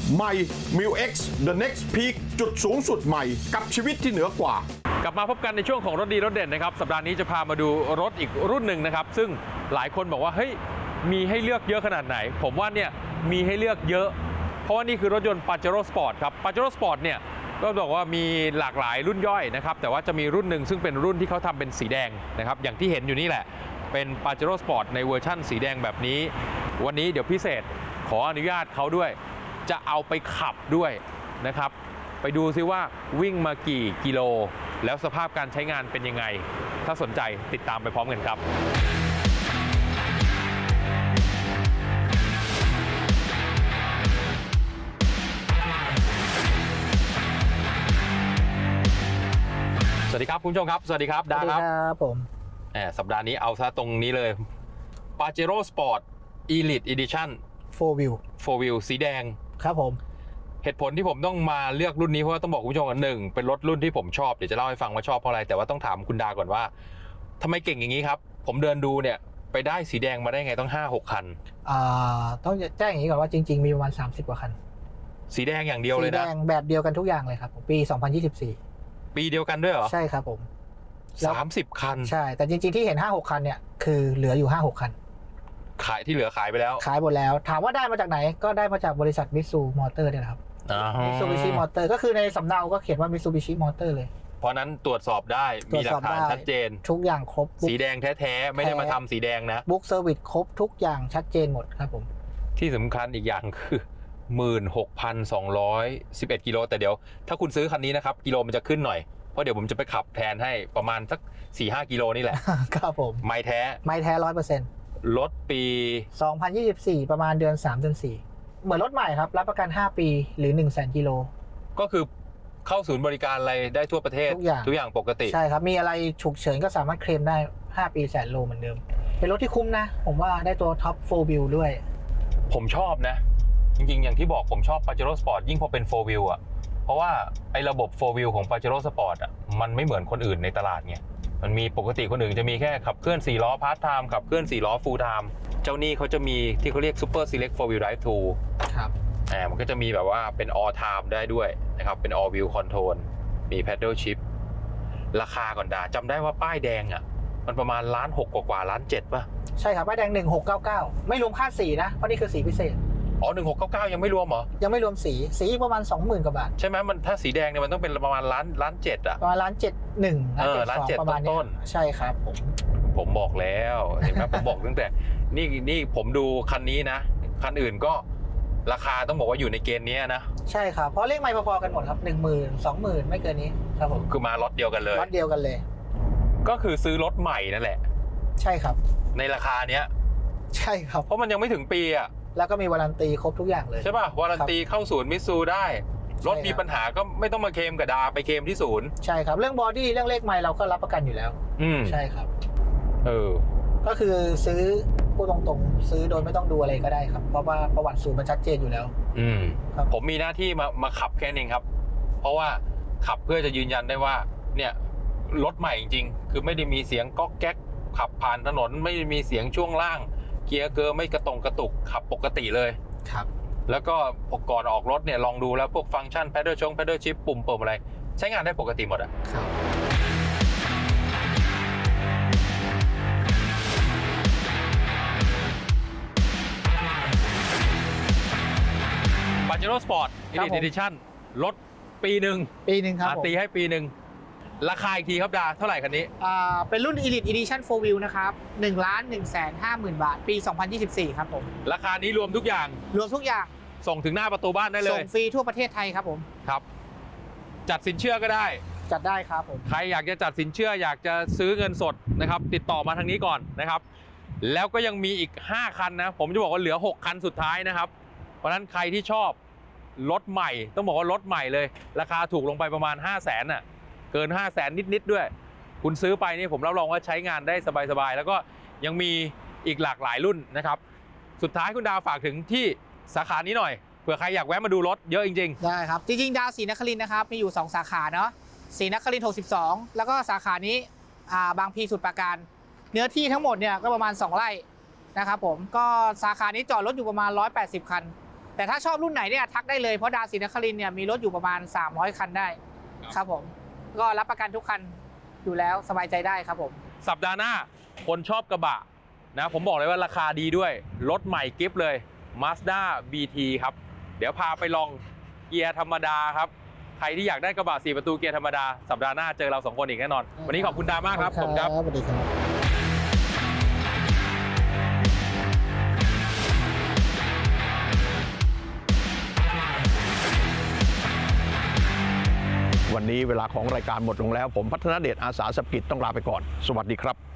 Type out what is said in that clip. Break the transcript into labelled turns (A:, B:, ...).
A: ใหม่ Mil X The Next Peak จุดสูงสุดใหม่กับชีวิตที่เหนือกว่าก
B: ลับมาพบกันในช่วงของรถดีรถเด่นนะครับสัปดาห์นี้จะพามาดูรถอีกรุ่นหนึ่งนะครับซึ่งหลายคนบอกว่าเฮ้ยมีให้เลือกเยอะขนาดไหนผมว่าเนี่ยมีให้เลือกเยอะเพราะว่านี่คือรถยนต์ Pajero Sport ครับ Pajero Sport เนี่ยก็บอกว่ามีหลากหลายรุ่นย่อยนะครับแต่ว่าจะมีรุ่นหนึ่งซึ่งเป็นรุ่นที่เขาทำเป็นสีแดงนะครับอย่างที่เห็นอยู่นี่แหละเป็น Pajero Sport ในเวอร์ชั่นสีแดงแบบนี้วันนี้เดี๋ยวพิเศษขออนุญาตเขาด้วยจะเอาไปขับด้วยนะครับไปดูซิว่าวิ่งมากี่กิโลแล้วสภาพการใช้งานเป็นยังไงถ้าสนใจติดตามไปพร้อมกันครับสวัสดีครับคุณผู้ชมครับสวัสดีครับดาครับ
C: ผม
B: สัปดาห์นี้เอาซะตรงนี้เลย Pajero Sport Elite Edition 4 Wheel สีแดง
C: ครับผม
B: เหตุผลที่ผมต้องมาเลือกรุ่นนี้เพราะว่าต้องบอกคุณผู้ชมกันหนึ่งเป็นรถรุ่นที่ผมชอบเดี๋ยวจะเล่าให้ฟังว่าชอบเพราะอะไรแต่ว่าต้องถามคุณดาก่อนว่าทำไมเก่งอย่างนี้ครับผมเดินดูเนี่ยไปได้สีแดงมาได้ไงต้อง 5-6 คัน
C: ต้องแจ้งอย่างนี้ก่อนว่าจริงๆมีประมาณ30กว่าคัน
B: สีแดงอย่างเดียวเลยนะ
C: สีแดงแบบเดียวกันทุกอย่างเลยครับปี2024
B: ปีเดียวกันด้วยเหรอ
C: ใช่ครับผม
B: 30 คัน
C: ใช่แต่จริงๆที่เห็น 5-6 คันเนี่ยคือเหลืออยู่ 5-6 คัน
B: ขายที่เหลือขายไปแล้ว
C: ขายหมดแล้วถามว่าได้มาจากไหนก็ได้มาจากบริษัทมิตซูมอเตอร์เนี่ยครับมิตซูบิชิมอเตอร์ก็คือในสำเนาก็เขียนว่ามิตซูบิชิมอเตอร์เลย
B: เพราะนั้นตรวจสอบได้มีหลักฐานชัดเจน
C: ทุกอย่างครบ
B: สีแดงแท้ๆไม่ได้มาทำสีแดงนะ
C: บุ๊กเซอร์วิสครบทุกอย่างชัดเจนหมดครับผม
B: ที่สำคัญอีกอย่างคือ 16,211 กิโลแต่เดี๋ยวถ้าคุณซื้อคันนี้นะครับกิโลมันจะขึ้นหน่อยเพราะเดี๋ยวผมจะไปขับแทนให้ประมาณสัก 4-5 กิโลนี่แหละ
C: ครับผม
B: ไม่แท้
C: 100%
B: รถปี
C: 2024ประมาณเดือน3เดือน4เหมือนรถใหม่ครับรับประกัน5ปีหรือ 100,000 กิโล
B: ก็คือเข้าศูนย์บริการอะไรได้ทั่วประเทศทุกอย่างปกติ
C: ใช่ครับมีอะไรฉุกเฉินก็สามารถเคลมได้5ปี100,000 โลเหมือนเดิมเป็นรถที่คุ้มนะผมว่าได้ตัวท็อป4 wheel ด้วย
B: ผมชอบนะจริงๆอย่างที่บอกผมชอบ Pajero Sport ยิ่งพอเป็น4 wheel อ่ะเพราะว่าไอ้ระบบ4 wheel ของ Pajero Sport อ่ะมันไม่เหมือนคนอื่นในตลาดไงมันมีปกติคนอื่นจะมีแค่ขับเคลื่อน4ล้อพาร์ทไทม์ขับเคลื่อน4ล้อฟูลไทม์เจ้านี่เขาจะมีที่เขาเรียก Super Select 4 Wheel Drive 2
C: ครับ
B: มันก็จะมีแบบว่าเป็น All Time ได้ด้วยนะครับเป็น All Wheel Control มี Paddle Shift ราคาก่อนดาจำได้ว่าป้ายแดงอ่ะมันประมาณ1,600,000กว่า1,700,000ป่ะ
C: ใช่ครับป้ายแดง1699ไม่รวมค่าสีนะเพราะนี่คือสีพิเศษ
B: อ๋อ1699ยังไม่รวมเหรอ
C: ยังไม่รวมสีประมาณ 20,000 กว่าบาท
B: ใช่ไหมมันถ้าสีแดงเนี่ยมันต้องเป็นประมาณ1,700,000อ่ะ
C: ประมาณ1,701,1,700,000ประมาณนี้ใช่ครับ
B: ผมบอกแล้วเห็นไหมผมบอกตั้งแต่นี่ผมดูคันนี้นะคันอื่นก็ราคาต้องบอกว่าอยู่ในเกณฑ์นี้นะ
C: ใช่ครับเพราะเลขไมล์พอๆกันหมดครับ 10,000 20,000ไม่เกินนี้ครับผม
B: คือมาล็อตเดียวกันเลย
C: ล็อตเดียวกันเลย
B: ก็คือซื้อรถใหม่นั่นแหละ
C: ใช่ครับ
B: ในราคาเนี้ย
C: ใช่ครับ
B: เพราะมันยังไม่ถึงปีอ่ะ
C: แล้วก็มีวารันตีครบทุกอย่างเลย
B: ใช่ป่ะวารันตีเข้าศูนย์มิตซูได้รถมีปัญหาก็ไม่ต้องมาเคลมกับดาไปเคลมที่ศูนย์
C: ใช่ครับเรื่องบอดี้เรื่องเลขไมล์เราก็รับประกันอยู่แล้วใช่ครับก็คือซื้อพูดตรงๆซื้อโดยไม่ต้องดูอะไรก็ได้ครับเพราะว่าประวัติศูนย์มันชัดเจนอยู่แล้ว
B: ผมมีหน้าที่มาขับแค่นี้ครับเพราะว่าขับเพื่อจะยืนยันได้ว่าเนี่ยรถใหม่จริงๆคือไม่ได้มีเสียงก๊อกแก๊กขับผ่านถนนไม่ได้มีเสียงช่วงล่างเกียร์เกอร์ไม่กระตุกขับปกติเลย
C: ครับ
B: แล้วก็ก่อนออกรถเนี่ยลองดูแล้วพวกฟังก์ชัน Paddle Shift ปุ่มอะไรใช้งานได้ปกติหมดอ่ะ
C: ครับ
B: Pajero Sport Elite Edition รถปีหนึ่ง
C: ครับ
B: ตีให้ปีหนึ่งราคาอีกทีครับดาเท่าไหร่คันนี้
C: เป็นรุ่น Elite Edition 4 Wheel นะครับ1,150,000 บาทปี2024ครับผม
B: ราคานี้รวมทุกอย่างส่งถึงหน้าประตูบ้านได้เลย
C: ส่งฟรีทั่วประเทศไทยครับผม
B: ครับจัดสินเชื่อก็ได้
C: จัดได้ครับผม
B: ใครอยากจะจัดสินเชื่ออยากจะซื้อเงินสดนะครับติดต่อมาทางนี้ก่อนนะครับแล้วก็ยังมีอีก5คันนะผมจะบอกว่าเหลือ6คันสุดท้ายนะครับเพราะฉะนั้นใครที่ชอบรถใหม่ต้องบอกว่ารถใหม่เลยราคาถูกลงไปประมาณ500,000น่ะเกิน500,000นิดๆด้วยคุณซื้อไปนี่ผมรับรองว่าใช้งานได้สบายๆแล้วก็ยังมีอีกหลากหลายรุ่นนะครับสุดท้ายคุณดาวฝากถึงที่สาขานี้หน่อยเผื่อใครอยากแวะมาดูรถเยอะจริง
C: ๆได้ครับจริงๆดาวศรีนครินทร์นะครับมีอยู่2สาขาเนาะศรีนครินทร์62แล้วก็สาขานี้บางพลีสมุทรปราการเนื้อที่ทั้งหมดเนี่ยก็ประมาณ2 ไร่นะครับผมก็สาขานี้จอดรถอยู่ประมาณ180 คันแต่ถ้าชอบรุ่นไหนเนี่ยทักได้เลยเพราะดาวศรีนครินทร์เนี่ยมีรถอยู่ประมาณ300คันได้ครับผมก็รับประกันทุกคันอยู่แล้วสบายใจได้ครับผม
B: สัปดาห์หน้าคนชอบกระบะนะผมบอกเลยว่าราคาดีด้วยรถใหม่กิฟต์เลย Mazda BT ครับเดี๋ยวพาไปลองเกียร์ธรรมดาครับใครที่อยากได้กระบะ4ประตูเกียร์ธรรมดาสัปดาห์หน้าเจอเรา2คนอีกแน่นอนวันนี้ขอบคุณดามากครับผมครับ
C: สวัสดีครับ
A: วันนี้เวลาของรายการหมดลงแล้วผมพัฒนเดชอาสาสกิจต้องลาไปก่อนสวัสดีครับ